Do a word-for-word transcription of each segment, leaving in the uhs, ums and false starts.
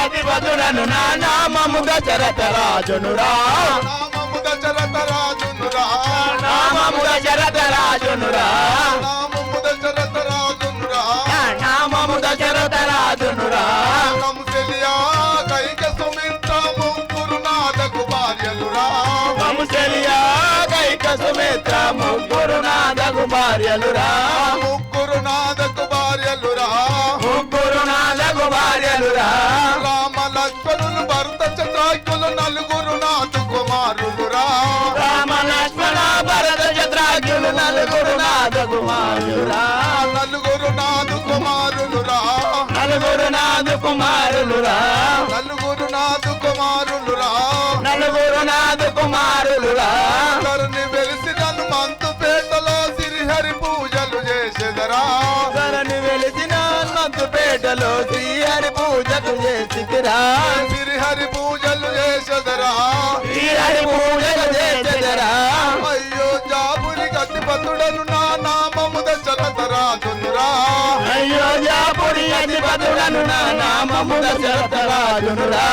అధిపతుడను నా నామము దశరథ రాజునురా నామము దశరథ రాజునురా నామము దశరథ రాజునురా నామము దశరథ రాజునురా నామము దశరథ రాజునురా కౌసల్యా కైక సుమిత్ర ముగ్గురు నాదకు భార్యలురా కౌసల్యా కైక సుమిత్ర ముగ్గురు నాదకు భార్యలురా ముగ్గురు నాదకు భార్యలురా ముగ్గురు నాదకు భార్యలురా రామ లక్ష్మణులు భరత చంద్రాకులు నలుగురు నాదు కుమారులురా రామ లక్ష్మణ భరత చంద్రాకులు నలుగురు నాద కుమారులురా నలుగురు నాదు కుమారులురా నలుగురు నాదు కుమారులురా నలుగురు నాదు కుమారులురా నలుగురు నాదు కుమారులురా ధరణి వెలిసిన మంతు పేటలో శ్రీహరి పూజలు చేసేదరా ధరణి వెలిసిన మంతుపేటలో శ్రీహరి పూజలు చేసిరా శ్రీహరి పూజలు చేసేదరా శ్రీహరి పూజలు చేసేదరా అయ్యో జాబుని గతిపతుడను నా నామము దశరథ రాజునురా అయ్యో జాపురి అధిపతుడను నా నామము దశరథ రాజునురా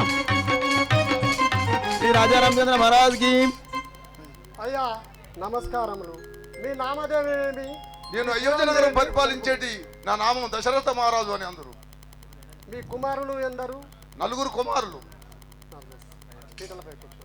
శ్రీ రాజా రామచంద్ర మహారాజ్ కి అయ్యా నమస్కారములు. మీ నామదేవేమి? నేను అయోధ్య నగరం పరిపాలించేటి నా నామం దశరథ మహారాజు అని అందరు. మీ కుమారులు ఎందరు? నలుగురు కుమారులు. పీటలపై కూర్చో.